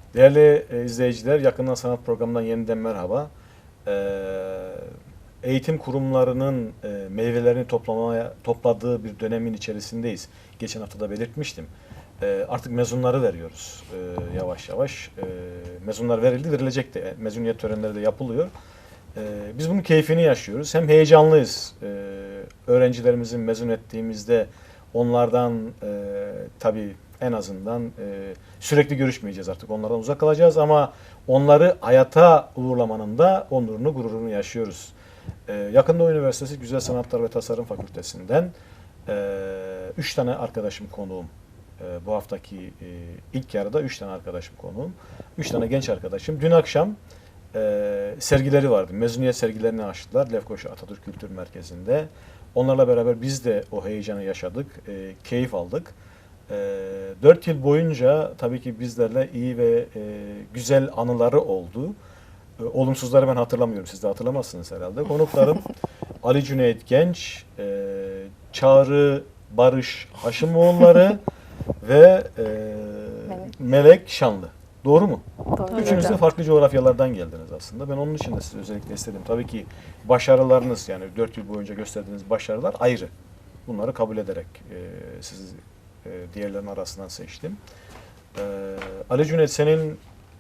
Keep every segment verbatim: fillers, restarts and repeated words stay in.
Değerli e, izleyiciler, Yakından Sanat programından yeniden merhaba. Ee, eğitim kurumlarının e, meyvelerini toplamaya topladığı bir dönemin içerisindeyiz. Geçen hafta da belirtmiştim. Ee, artık mezunları veriyoruz ee, yavaş yavaş. Ee, mezunlar verildi, verilecek de. Mezuniyet törenleri de yapılıyor. Ee, biz bunun keyfini yaşıyoruz. Hem heyecanlıyız. Ee, öğrencilerimizin mezun ettiğimizde onlardan e, tabii en azından e, sürekli görüşmeyeceğiz artık. Onlardan uzak kalacağız ama onları hayata uğurlamanın da onurunu, gururunu yaşıyoruz. Ee, Yakında Üniversitesi Güzel Sanatlar ve Tasarım Fakültesinden e, üç tane arkadaşım konuğum. E, bu haftaki e, ilk yarıda üç tane arkadaşım konuğum. Üç tane genç arkadaşım. Dün akşam e, sergileri vardı. Mezuniyet sergilerini açtılar Lefkoşa Atatürk Kültür Merkezi'nde. Onlarla beraber biz de o heyecanı yaşadık, e, keyif aldık. E, Dört yıl boyunca tabii ki bizlerle iyi ve e, güzel anıları oldu. E, olumsuzları ben hatırlamıyorum, siz de hatırlamazsınız herhalde. Konuklarım Ali Cüneyt Genç, e, Çağrı Barış Haşimoğulları ve e, Melek. Melek Şanlı. Doğru mu? Doğru Üçünüz de hocam. farklı coğrafyalardan geldiniz aslında. Ben onun için de sizi özellikle istedim. Tabii ki başarılarınız, yani dört yıl boyunca gösterdiğiniz başarılar ayrı. Bunları kabul ederek e, sizi e, diğerlerinin arasından seçtim. E, Ali Cüneyt, senin m,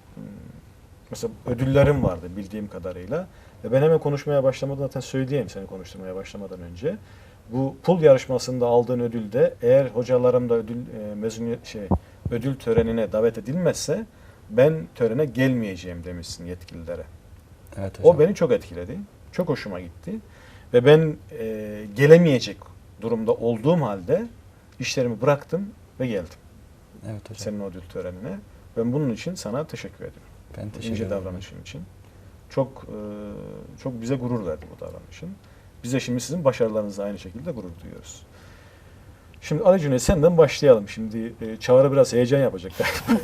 mesela ödüllerin vardı bildiğim kadarıyla. Ve ben hemen konuşmaya başlamadan zaten söyleyeyim, seni konuşturmaya başlamadan önce. Bu pul yarışmasında aldığın ödülde, eğer hocalarım da ödül e, mezuniyet şey ödül törenine davet edilmezse ben törene gelmeyeceğim demişsin yetkililere. Evet hocam. O beni çok etkiledi. Çok hoşuma gitti. Ve ben e, gelemeyecek durumda olduğum halde işlerimi bıraktım ve geldim. Evet hocam. Senin o ödül törenine. Ben bunun için sana teşekkür ediyorum. Ben teşekkür İnce ederim. davranışın için. Çok e, çok bize gurur verdi bu davranışın. Biz de şimdi sizin başarılarınızla aynı şekilde gurur duyuyoruz. Şimdi Ali Cüneyt, senden başlayalım. Şimdi e, Çağrı biraz heyecan yapacak.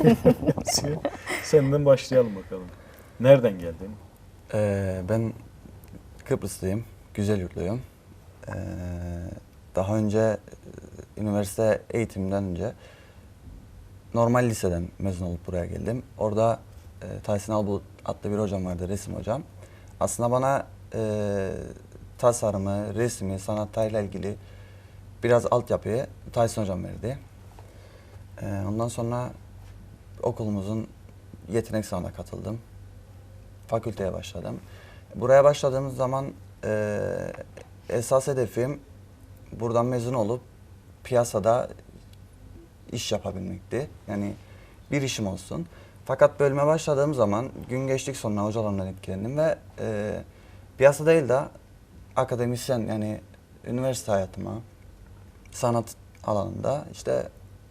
Senden başlayalım bakalım. Nereden geldin? Ee, ben Kıbrıslıyım. Güzelyurtluyum. Ee, daha önce e, üniversite eğitimden önce normal liseden mezun olup buraya geldim. Orada e, Tahsin Albulut adlı bir hocam vardı, resim hocam. Aslında bana e, tasarımı, resmi, sanatlarla ilgili biraz altyapıyı Tahsin hocam verdi. E, ondan sonra okulumuzun yetenek sınavına katıldım. Fakülteye başladım. Buraya başladığımız zaman e, esas hedefim buradan mezun olup piyasada iş yapabilmekti. Yani bir işim olsun. Fakat bölüme başladığım zaman gün geçtik sonra hocalarımdan etkilendim ve e, piyasa değil de akademisyen, yani üniversite hayatıma, sanat alanında işte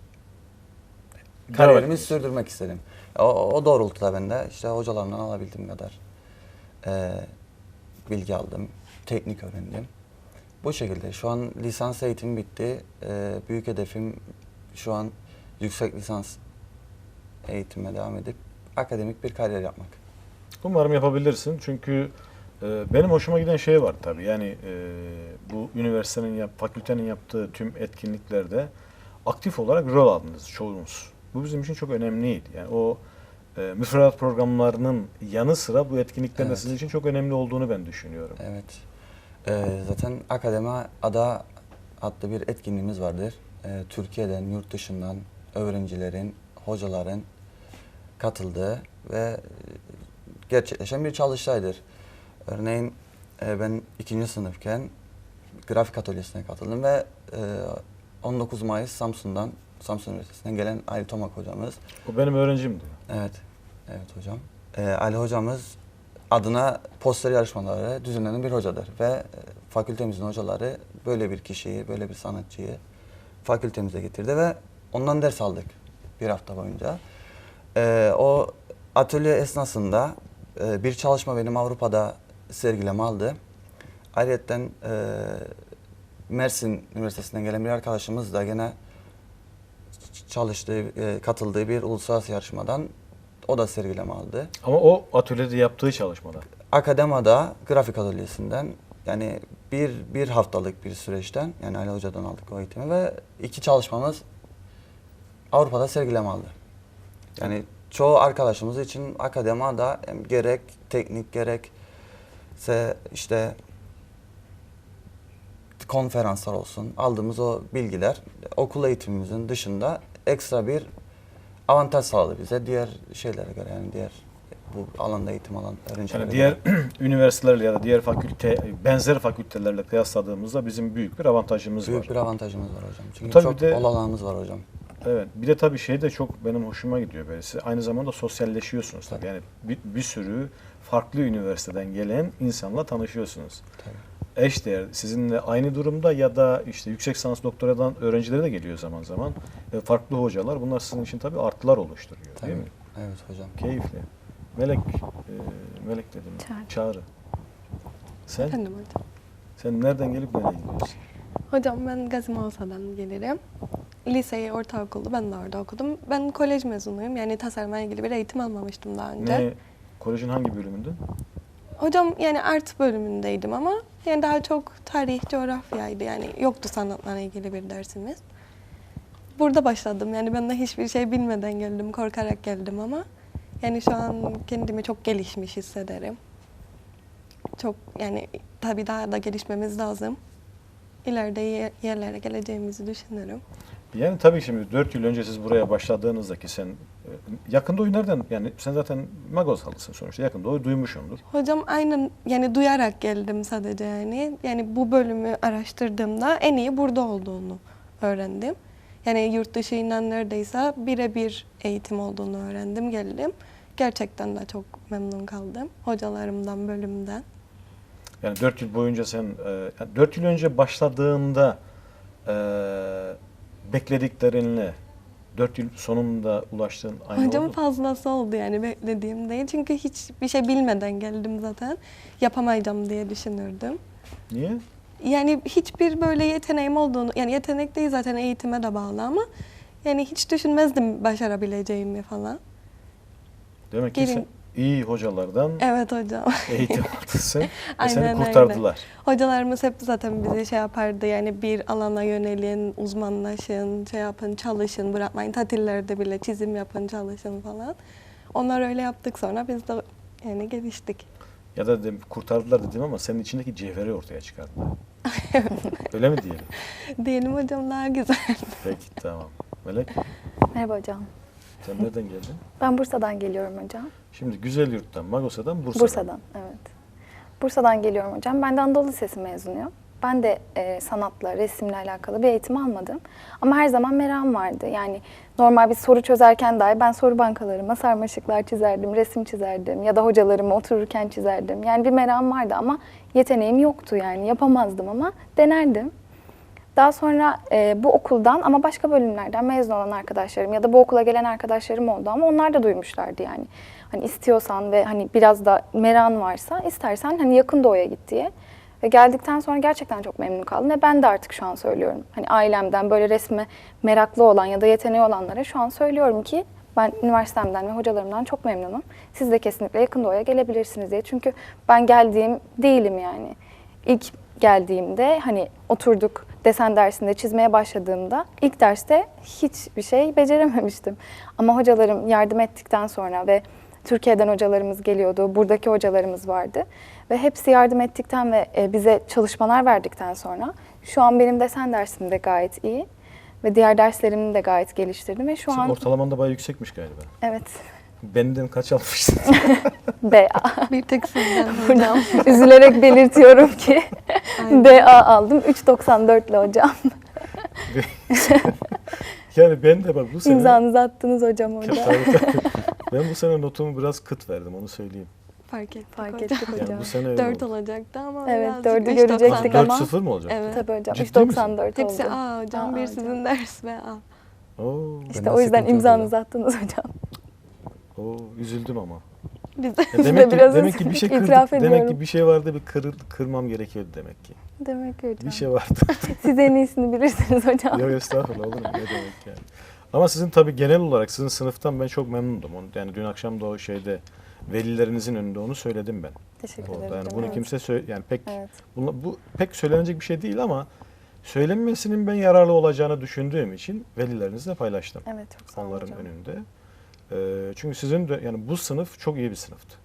kariyerimi sürdürmek istedim. O, o doğrultuda ben de işte hocalarımdan alabildiğim kadar e, bilgi aldım, teknik öğrendim. Bu şekilde şu an lisans eğitimi bitti. E, büyük hedefim şu an yüksek lisans eğitime devam edip akademik bir kariyer yapmak. Umarım yapabilirsin. Çünkü e, benim hoşuma giden şey var tabii. Yani e, bu üniversitenin, yap, fakültenin yaptığı tüm etkinliklerde aktif olarak rol aldınız çoğunuz. Bu bizim için çok önemliydi. Yani o e, müfredat programlarının yanı sıra bu etkinliklerin de Evet. sizin için çok önemli olduğunu ben düşünüyorum. Evet. E, zaten Akademi Ada adlı bir etkinliğimiz vardır. E, Türkiye'den, yurt dışından öğrencilerin, hocaların katıldığı ve gerçekleşen bir çalıştaydır. Örneğin e, ben ikinci sınıfken grafik atölyesine katıldım ve e, on dokuz Mayıs Samsun'dan, Samsun Üniversitesi'nden gelen Ali Tomak hocamız. O benim öğrencimdi. Evet, evet hocam. E, Ali hocamız adına poster yarışmaları düzenlenen bir hocadır ve e, fakültemizin hocaları böyle bir kişiyi, böyle bir sanatçıyı fakültemize getirdi ve ondan ders aldık bir hafta boyunca. E, o atölye esnasında e, bir çalışma benim Avrupa'da sergileme aldı. Ayrıca e, Mersin Üniversitesi'nden gelen bir arkadaşımız da gene çalıştığı, e, katıldığı bir uluslararası yarışmadan o da sergileme aldı. Ama o atölyede yaptığı çalışmada. Akadema'da grafik atölyesinden, yani bir, bir haftalık bir süreçten, yani Ali Hoca'dan aldık o eğitimi ve iki çalışmamız Avrupa'da sergileme aldı. Yani çoğu arkadaşımız için akademide hem gerek teknik gerekse işte konferanslar olsun, aldığımız o bilgiler okul eğitimimizin dışında ekstra bir avantaj sağladı bize diğer şeylere göre, yani diğer bu alanda eğitim alan öğrencilere Yani göre. diğer üniversitelerle ya da diğer fakülte, benzer fakültelerle kıyasladığımızda bizim büyük bir avantajımız Büyük var. bir avantajımız var hocam. Çünkü Tabii çok de- olanağımız var hocam. Evet. Bir de tabii şey de çok benim hoşuma gidiyor böyle. Siz aynı zamanda sosyalleşiyorsunuz tabii. Yani bir, bir sürü farklı üniversiteden gelen insanla tanışıyorsunuz. Tabii. Eşdeğer sizinle aynı durumda ya da işte yüksek lisans doktoradan öğrencileri de geliyor zaman zaman. E, farklı hocalar. Bunlar sizin için tabii artılar oluşturuyor Tabii. değil mi? Evet hocam. Keyifli. Melek, e, Melek dedim. Çağrı. Çağrı. Sen? Efendim hocam. Sen nereden gelip nereye gidiyorsun? Hocam ben Gazi Mavsa'dan gelirim. Liseyi, ortaokulu ben de orada okudum. Ben kolej mezunuyum. Yani tasarımla ilgili bir eğitim almamıştım daha önce. Ne? Kolejin hangi bölümünde? Hocam yani art bölümündeydim ama yani daha çok tarih, coğrafyaydı. Yani yoktu sanatlarla ilgili bir dersimiz. Burada başladım. Yani ben de hiçbir şey bilmeden geldim, korkarak geldim ama yani şu an kendimi çok gelişmiş hissederim. Çok yani tabii daha da gelişmemiz lazım. İleride ye- yerlere geleceğimizi düşünüyorum. Yani tabii şimdi dört yıl önce siz buraya başladığınızda ki sen e, yakın doğu nereden, yani sen zaten Magozalısın sonuçta, yakın doğu duymuşsundur. Hocam aynen yani duyarak geldim sadece yani. Yani bu bölümü araştırdığımda en iyi burada olduğunu öğrendim. Yani yurt dışıyla neredeyse birebir eğitim olduğunu öğrendim, geldim. Gerçekten de çok memnun kaldım hocalarımdan, bölümden. Yani dört yıl boyunca sen, e, yani dört yıl önce başladığında e, beklediklerinle dört yıl sonunda ulaştığın aynı Hocam oldu mu? fazlası oldu yani beklediğim değil. Çünkü hiçbir şey bilmeden geldim zaten. Yapamayacağım diye düşünürdüm. Niye? Yani hiçbir böyle yeteneğim olduğunu, yani yetenek değil zaten eğitime de bağlı ama yani hiç düşünmezdim başarabileceğimi falan. Demek ki Gelin- sen iyi hocalardan Evet hocam. eğitim aldın sen ve Aynen seni öyle. kurtardılar. Hocalarımız hep zaten bize şey yapardı yani bir alana yönelin, uzmanlaşın, şey yapın, çalışın, bırakmayın. Tatillerde bile çizim yapın, çalışın falan. Onlar öyle yaptık sonra biz de yani geliştik. Ya da dedim, kurtardılar dedim ama senin içindeki cevheri ortaya çıkardılar. Öyle mi diyelim? Diyelim hocam daha güzel. Peki tamam. Melek, Merhaba hocam. sen nereden geldin? Ben Bursa'dan geliyorum hocam. Şimdi Güzelyurt'tan, Magosa'dan, Bursa'dan. Bursa'dan, evet. Bursa'dan geliyorum hocam. Ben de Anadolu Lisesi mezunuyum. Ben de e, sanatla, resimle alakalı bir eğitim almadım. Ama her zaman merakım vardı. Yani normal bir soru çözerken dahi ben soru bankalarıma sarmaşıklar çizerdim, resim çizerdim ya da hocalarıma otururken çizerdim. Yani bir merakım vardı ama yeteneğim yoktu yani yapamazdım ama denerdim. Daha sonra e, bu okuldan ama başka bölümlerden mezun olan arkadaşlarım ya da bu okula gelen arkadaşlarım oldu ama onlar da duymuşlardı yani. Hani istiyorsan ve hani biraz da merakın varsa istersen hani yakın doğuya git diye. Ve geldikten sonra gerçekten çok memnun kaldım ve ben de artık şu an söylüyorum. Hani ailemden böyle resme meraklı olan ya da yeteneği olanlara şu an söylüyorum ki ben üniversitemden ve hocalarımdan çok memnunum. Siz de kesinlikle yakın doğuya gelebilirsiniz diye. Çünkü ben geldiğim değilim yani. İlk geldiğimde hani oturduk desen dersinde çizmeye başladığımda ilk derste hiçbir şey becerememiştim. Ama hocalarım yardım ettikten sonra ve Türkiye'den hocalarımız geliyordu, buradaki hocalarımız vardı. Ve hepsi yardım ettikten ve bize çalışmalar verdikten sonra şu an benim desen dersim de gayet iyi. Ve diğer derslerimi de gayet geliştirdim ve şu Senin an... ortalaman da bayağı yüksekmiş galiba. Evet, Benden kaç almıştın? B A. Bir tek sizden hocam. Buradan üzülerek belirtiyorum ki Aynen. B A aldım. üç doksan dört ile hocam. Yani ben de bak bu sene... İmzanızı attınız hocam orada. Tabii, tabii. Ben bu sene notumu biraz kıt verdim, onu söyleyeyim. Fark ettik Fark hocam. ettik hocam. Yani bu sene öyle Dört oldu. olacaktı ama Evet, birazcık dördü üç görecektik doksan. ama- dört sıfır mı olacak? Evet. Tabii hocam. Ciddi üç doksan dört oldu. Hepsi A hocam, Aa, bir hocam. sizin ders ve A. Oo, İşte Bende o yüzden sıkıntı yok imzanızı attınız hocam. oo, üzüldüm ama. Biz Ya Biz de demek ki biraz demek ki bir şey itiraf kırdık, demek ki ediyorum. bir şey vardı, bir kırıl, kırmam gerekiyordu demek ki. Demek ki hocam. Bir şey vardı. Siz en iyisini bilirsiniz hocam. Yok estağfurullah, olur mu? Ne demek yani. Ama sizin tabii genel olarak sizin sınıftan ben çok memnundum. Onu, yani dün akşam da o şeyde velilerinizin önünde onu söyledim ben. Teşekkür Orada. ederim Yani hocam. bunu Evet. kimse söyle, yani pek Evet. bunla- bu pek söylenecek bir şey değil ama söylenmesinin ben yararlı olacağını düşündüğüm için velilerinizle paylaştım. Evet, çok sağ olun Onların hocam. önünde. E, çünkü sizin de yani bu sınıf çok iyi bir sınıftı.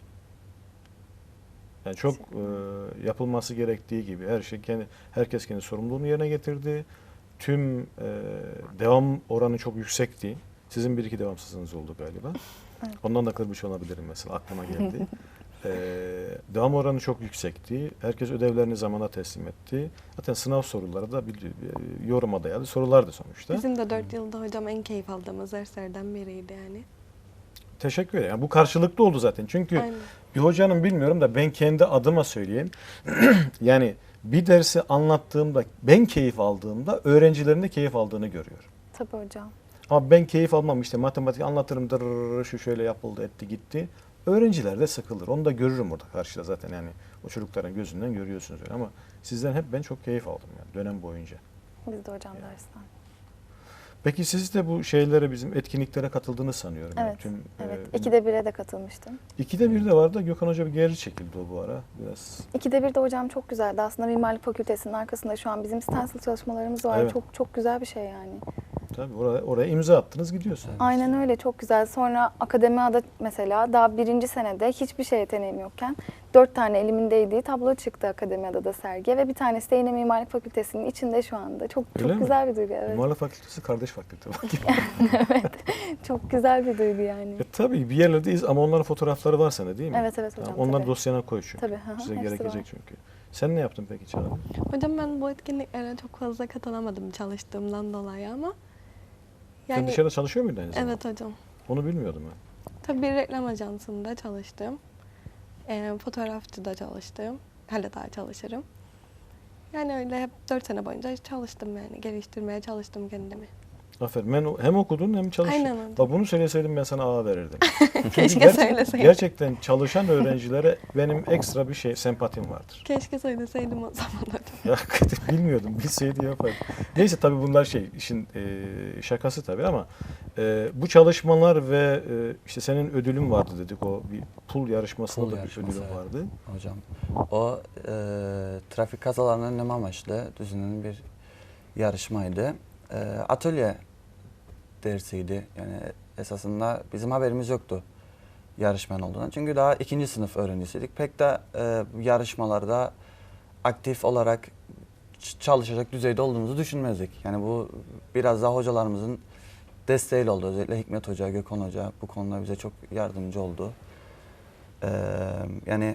Yani çok e, yapılması gerektiği gibi her şey kendi herkes kendi sorumluluğunu yerine getirdi. Tüm e, devam oranı çok yüksekti. Sizin bir iki devamsızlığınız oldu galiba. Evet. Ondan da kırmış olabilirim mesela aklıma geldi. e, devam oranı çok yüksekti. Herkes ödevlerini zamana teslim etti. Zaten sınav soruları da bir, bir yoruma dayalı sorulardı sonuçta. Bizim de dört yılda hocam en keyif aldığımız derslerden biriydi yani. Teşekkür ederim. Yani bu karşılıklı oldu zaten. Çünkü Aynen. bir hocanın bilmiyorum da ben kendi adıma söyleyeyim. Yani bir dersi anlattığımda ben keyif aldığımda öğrencilerin de keyif aldığını görüyorum. Tabii hocam. Ama ben keyif almam işte matematik anlatırım dırırır, şu şöyle yapıldı etti gitti. Öğrenciler de sıkılır. Onu da görürüm orada karşıda zaten yani o çocukların gözünden görüyorsunuz öyle ama sizden hep ben çok keyif aldım yani dönem boyunca. Biz de hocam dersten. Peki siz de bu şeylere bizim etkinliklere katıldığını sanıyorum. Yani Evet. tüm, Evet. e, İkide bire de katılmıştım. ikide bir de vardı da Gökhan Hoca bir geri çekildi o bu ara biraz. İkide bir de hocam çok güzeldi. Aslında Mimarlık Fakültesi'nin arkasında şu an bizim stencil çalışmalarımız var. Evet. Çok çok güzel bir şey yani. Tabii oraya, oraya imza attınız gidiyorsunuz. Aynen öyle, çok güzel. Sonra Akademia'da mesela daha birinci senede hiçbir şey yeteneğim yokken dört tane elimin değdiği tablo çıktı Akademia'da da sergiye ve bir tanesi de yine Mimarlık Fakültesi'nin içinde şu anda. Çok Öyle çok mi? güzel bir duygu. Evet. Mimarlık Fakültesi kardeş fakülte. Evet. Çok güzel bir duygu yani. e, tabii bir yerlerdeyiz ama onların fotoğrafları var sende değil mi? Evet evet hocam. Tamam, onları tabii. dosyana koy çünkü. Tabii, hı hı, Size hepsi gerekecek var. çünkü. Sen ne yaptın peki Çağla? Hocam ben bu etkinliklere çok fazla katılamadım çalıştığımdan dolayı ama Sen yani dışarıda çalışıyor muydun aynı zamanda? evet hocam. Onu bilmiyordum ben. Tabii bir reklam ajansında çalıştım. E, fotoğrafçıda çalıştım. Hala daha çalışırım. Yani öyle hep dört sene boyunca çalıştım yani. Geliştirmeye çalıştım kendimi. Aferin. Ben hem okudun hem çalıştın. Aynen hocam. Bak bunu söyleseydim ben sana A verirdim. Keşke Gerçek- söyleseydim. Gerçekten çalışan öğrencilere benim ekstra bir şey sempatim vardır. Keşke söyleseydim o zaman hocam. Ya bilmiyordum. Bilseydi yapardım. Neyse tabii bunlar şey işin e, şakası tabii ama e, bu çalışmalar ve e, işte senin ödülün vardı dedik o bir pul yarışmasında Pul da yarışması, bir ödülün evet. vardı. Hocam o e, trafik kazalarını önleme amaçlı düzenlenen bir yarışmaydı. E, atölye dersiydi. Yani esasında bizim haberimiz yoktu yarışmanın olduğundan. Çünkü daha ikinci sınıf öğrencisiydik. Pek de e, yarışmalarda aktif olarak ç- çalışacak düzeyde olduğumuzu düşünmezdik. Yani bu biraz daha hocalarımızın desteğiyle oldu. Özellikle Hikmet Hoca, Gökhan Hoca bu konuda bize çok yardımcı oldu. Ee, yani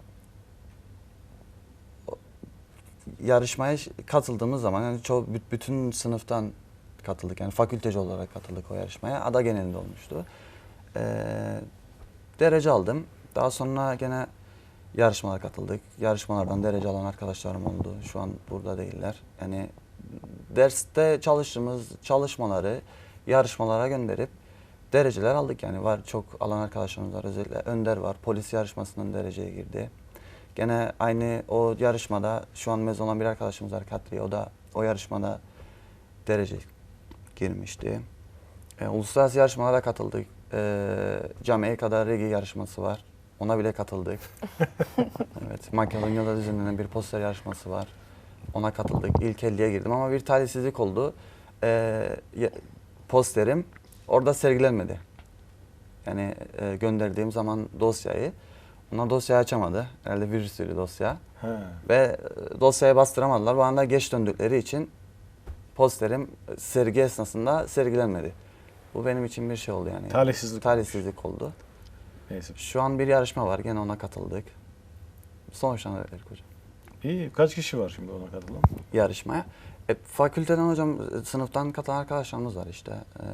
o- yarışmaya ş- katıldığımız zaman yani çoğu bü- bütün sınıftan katıldık. Yani fakülteci olarak katıldık o yarışmaya. Ada genelinde olmuştu. Ee, derece aldım. Daha sonra gene yarışmalara katıldık. Yarışmalardan derece alan arkadaşlarım oldu. Şu an burada değiller. Yani derste çalıştığımız çalışmaları yarışmalara gönderip dereceler aldık. Yani var çok alan arkadaşlarımız var. Özellikle Önder var. Polis yarışmasından dereceye girdi. Gene aynı o yarışmada şu an mezun olan bir arkadaşımız var Katri. O da o yarışmada derece girmişti. E, uluslararası yarışmalara katıldık. E, Camiye kadar regi yarışması var. Ona bile katıldık. Evet, Makedonya'da düzenlenen bir poster yarışması var. Ona katıldık. İlk elliye girdim ama bir talihsizlik oldu. Ee, posterim orada sergilenmedi. Yani e, gönderdiğim zaman dosyayı, onlar dosyayı açamadı. Herhalde virüslü dosya. He. Ve e, dosyaya bastıramadılar. Bana da geç döndükleri için posterim sergi esnasında sergilenmedi. Bu benim için bir şey oldu yani. Talihsizlik Talihsizlik oldu. Neyse. Şu an bir yarışma var. Gene ona katıldık. Sonuçlandı hocam. İyi. Kaç kişi var şimdi ona katılan? Yarışmaya. E, fakülteden hocam e, sınıftan katılan arkadaşlarımız var işte. E,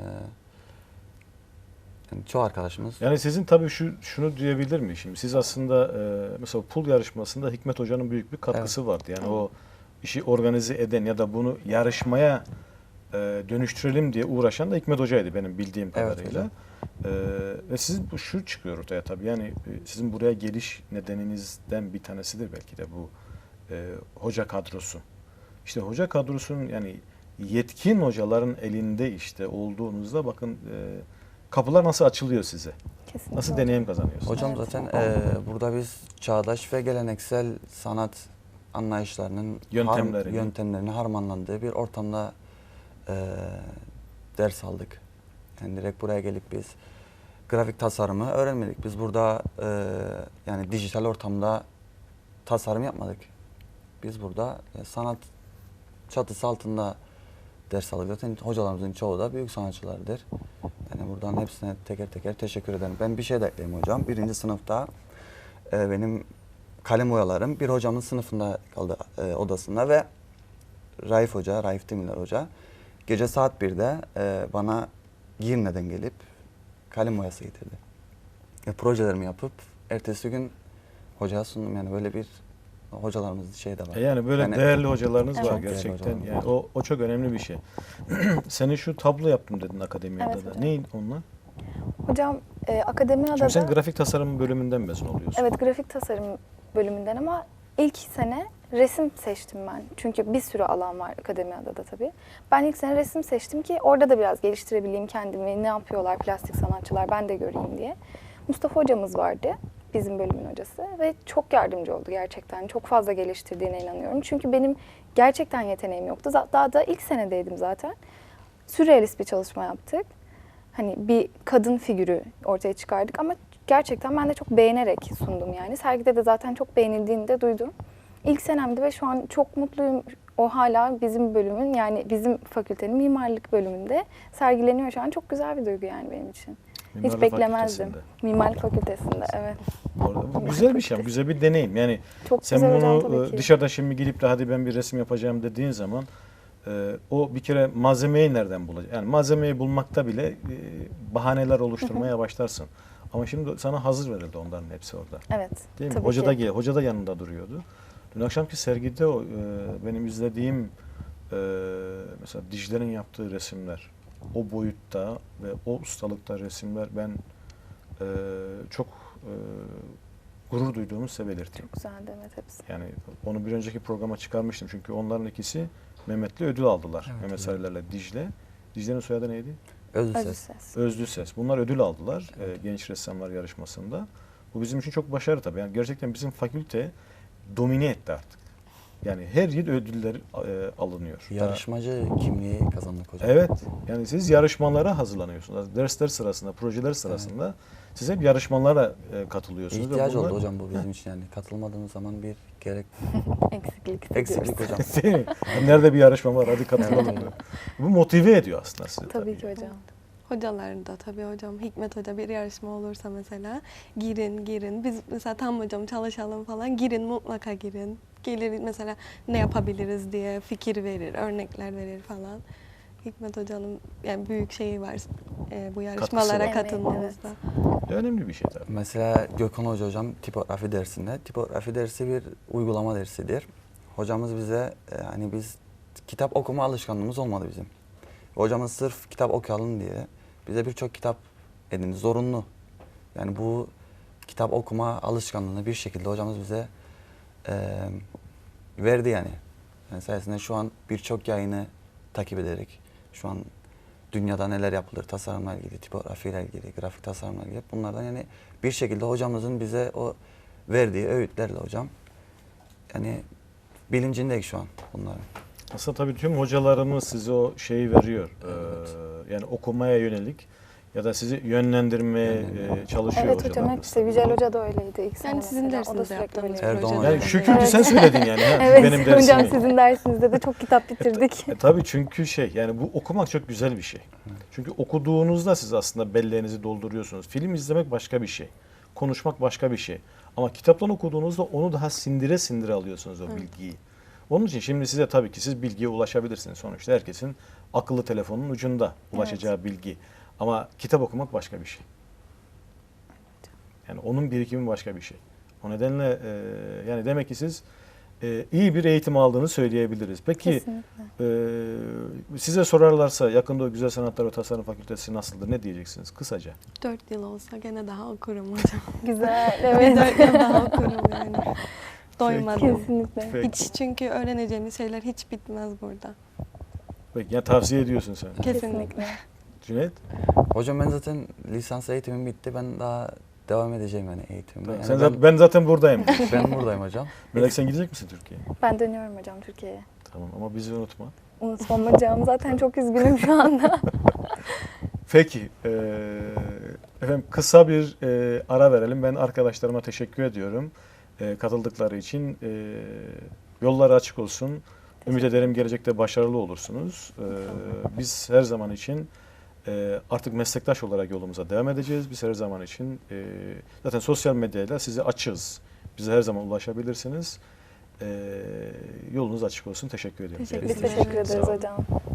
yani çoğu arkadaşımız. Yani sizin tabii şu şunu diyebilir miyim şimdi? Siz aslında e, mesela pul yarışmasında Hikmet Hoca'nın büyük bir katkısı vardı. Yani o işi organize eden ya da bunu yarışmaya e, dönüştürelim diye uğraşan da Hikmet Hoca'ydı benim bildiğim Evet kadarıyla. hocam. E, ve sizin bu şu çıkıyor ortaya tabii. Yani e, sizin buraya geliş nedeninizden bir tanesidir belki de bu e, hoca kadrosu. İşte hoca kadrosunun yani yetkin hocaların elinde işte olduğunuzda bakın e, kapılar nasıl açılıyor size? Kesinlikle. Nasıl hocam. deneyim kazanıyorsunuz? Hocam Evet. zaten e, burada biz çağdaş ve geleneksel sanat anlayışlarının Yöntemlerini. har- yöntemlerini harmanlandığı bir ortamda e, ders aldık. Yani direkt buraya gelip biz grafik tasarımı öğrenmedik. Biz burada e, yani dijital ortamda tasarım yapmadık. Biz burada e, sanat çatısı altında ders aldık. Zaten hocalarımızın çoğu da büyük sanatçılardır. Yani buradan hepsine teker teker teşekkür ederim. Ben bir şey de ekleyeyim hocam. Birinci sınıfta e, benim kalem boyalarım bir hocamın sınıfında kaldı e, odasında ve Raif Hoca, Raif Demirler Hoca gece saat birde e, bana giyinmeden gelip kalem boyası getirdi. E, projelerimi yapıp ertesi gün hocaya sundum. Yani böyle bir hocalarımız şey de var. E yani böyle Yani- değerli hocalarınız Evet. var Çok değerli gerçekten. hocalarımız Yani o, o çok önemli bir şey. Senin şu tablo yaptım dedin akademiyada Evet da. hocam. Neyin onlar? Hocam e, Akademi Çünkü sen Adada... grafik tasarım bölümünden mezun oluyorsun. Evet, grafik tasarım bölümünden ama ilk sene resim seçtim ben. Çünkü bir sürü alan var Akademi Adada tabii. Ben ilk sene resim seçtim ki orada da biraz geliştirebileyim kendimi. Ne yapıyorlar plastik sanatçılar ben de göreyim diye. Mustafa hocamız vardı, bizim bölümün hocası ve çok yardımcı oldu gerçekten. Çok fazla geliştirdiğine inanıyorum. Çünkü benim gerçekten yeteneğim yoktu. Z- Daha da ilk senedeydim zaten. Sürrealist bir çalışma yaptık. Hani bir kadın figürü ortaya çıkardık ama gerçekten ben de çok beğenerek sundum yani. Sergide de zaten çok beğenildiğini de duydum. İlk senemdi ve şu an çok mutluyum. O hala bizim bölümün yani bizim fakültenin mimarlık bölümünde sergileniyor şu an. Çok güzel bir duygu yani benim için. Mimarlık Hiç beklemezdim. Fakültesinde. Mimarlık fakültesinde, evet. Orada. Bu güzel bir şey, ama güzel bir deneyim. Yani Çok sen güzel hocam bunu tabii e, ki. dışarıda şimdi gidip de hadi ben bir resim yapacağım dediğin zaman e, o bir kere malzemeyi nereden bulacak? Yani malzemeyi bulmakta bile e, bahaneler oluşturmaya başlarsın. Ama şimdi sana hazır verildi onların hepsi orada. Evet. Değil mi? tabii Hoca da ki. gel, hoca da yanında duruyordu. Dün akşamki sergide o e, benim izlediğim e, mesela Dicle'nin yaptığı resimler, o boyutta ve o ustalıkta resimler ben e, çok e, gurur duyduğumu size belirteyim. Çok güzeldi, evet, hepsi. Yani onu bir önceki programa çıkarmıştım çünkü onların ikisi Mehmet'le ödül aldılar. Evet, Mehmet evet. Sarılar'la Dicle. Dicle'nin soyadı neydi? Özlü Özlü ses. ses. Özlü Ses. Bunlar ödül aldılar e, genç ressamlar yarışmasında. Bu bizim için çok başarı tabii. Yani gerçekten bizim fakülte domine etti artık. Yani her yıl ödüller e, alınıyor. Yarışmacı kimliği kazandık hocam. Evet. Yani siz yarışmalara hazırlanıyorsunuz. Dersler sırasında, projeler sırasında siz hep yarışmalara e, katılıyorsunuz. ve İhtiyaç bunlar- oldu hocam bu bizim için yani. Katılmadığımız zaman bir gerek Eksiklik hissediyoruz. eksiklik hocam. Değil mi? Yani nerede bir yarışma var hadi katılalım. Evet. diyor. Bu motive ediyor aslında sizi. Tabii ki hocam. Hocalar da tabii hocam. Hikmet Hoca bir yarışma olursa mesela girin girin. Biz mesela tam hocam çalışalım falan girin mutlaka girin. Gelir mesela ne yapabiliriz diye fikir verir, örnekler verir falan. Hikmet Hoca'nın yani büyük şeyi var e, bu yarışmalara var. katılmamızda. Önemli bir şey tabii. Mesela Gökhan Hoca hocam tipografi dersinde. Tipografi dersi bir uygulama dersidir. Hocamız bize e, hani biz kitap okuma alışkanlığımız olmadı bizim. Hocamız sırf kitap okuyalım diye bize birçok kitap edindi. Zorunlu. Yani bu kitap okuma alışkanlığını bir şekilde hocamız bize e, verdi yani. Yani sayesinde şu an birçok yayını takip ederek şu an dünyada neler yapılır, tasarımla ilgili, tipografiyle ilgili, grafik tasarımla ilgili bunlardan yani bir şekilde hocamızın bize o verdiği öğütlerle hocam yani bilincindeyiz şu an bunların. Aslında tabii tüm hocalarımız size o şeyi veriyor. Evet. Ee, yani okumaya yönelik ya da sizi yönlendirmeye Yönlendirme. e, çalışıyor Evet hocam, hocalarımız. hepsi. Yücel Hoca da öyleydi ilk sene Yani sizin mesela. O da dersinizde sürekli yaptığınız öyle. Erdoğan projeler. Yani şu kötü Evet. sen söyledin yani. Ha? Evet Benim dersimi. hocam, sizin dersinizde de çok kitap bitirdik. E, tabii çünkü şey yani bu okumak çok güzel bir şey. Çünkü okuduğunuzda siz aslında belleğinizi dolduruyorsunuz. Film izlemek başka bir şey. Konuşmak başka bir şey. Ama kitaptan okuduğunuzda onu daha sindire sindire alıyorsunuz o bilgiyi. Onun için şimdi size tabii ki siz bilgiye ulaşabilirsiniz. Sonuçta herkesin akıllı telefonun ucunda ulaşacağı bilgi. Ama kitap okumak başka bir şey. Yani onun birikimi başka bir şey. O nedenle e, yani demek ki siz e, iyi bir eğitim aldığını söyleyebiliriz. Peki Kesinlikle. e, size sorarlarsa yakında o Güzel Sanatlar ve Tasarım Fakültesi nasıldır? Ne diyeceksiniz kısaca? Dört yıl olsa gene daha okurum hocam. Güzel, Evet. evet. Dört yıl daha okurum yani. Doymadım. Kesinlikle. Peki. Hiç çünkü öğreneceğimiz şeyler hiç bitmez burada. Peki yani tavsiye ediyorsun sen. Kesinlikle. Cüneyt? Hocam ben zaten lisans eğitimim bitti. Ben daha devam edeceğim yani eğitimime. Yani sen ben, zaten, ben zaten buradayım. ben buradayım hocam. Melek sen gidecek misin Türkiye'ye? Ben dönüyorum hocam Türkiye'ye. Tamam ama bizi unutma. Unutmam hocam. Zaten çok üzgünüm şu anda. Peki e, Efendim kısa bir e, ara verelim. Ben arkadaşlarıma teşekkür ediyorum. E, katıldıkları için. E, yolları açık olsun. Ümit ederim gelecekte başarılı olursunuz. E, biz her zaman için e, artık meslektaş olarak yolumuza devam edeceğiz. Biz her zaman için e, zaten sosyal medyayla size açığız. Bize her zaman ulaşabilirsiniz. E, yolunuz açık olsun. Teşekkür ediyorum. Teşekkür Biz ederim. teşekkür Sağ ederiz olun. hocam.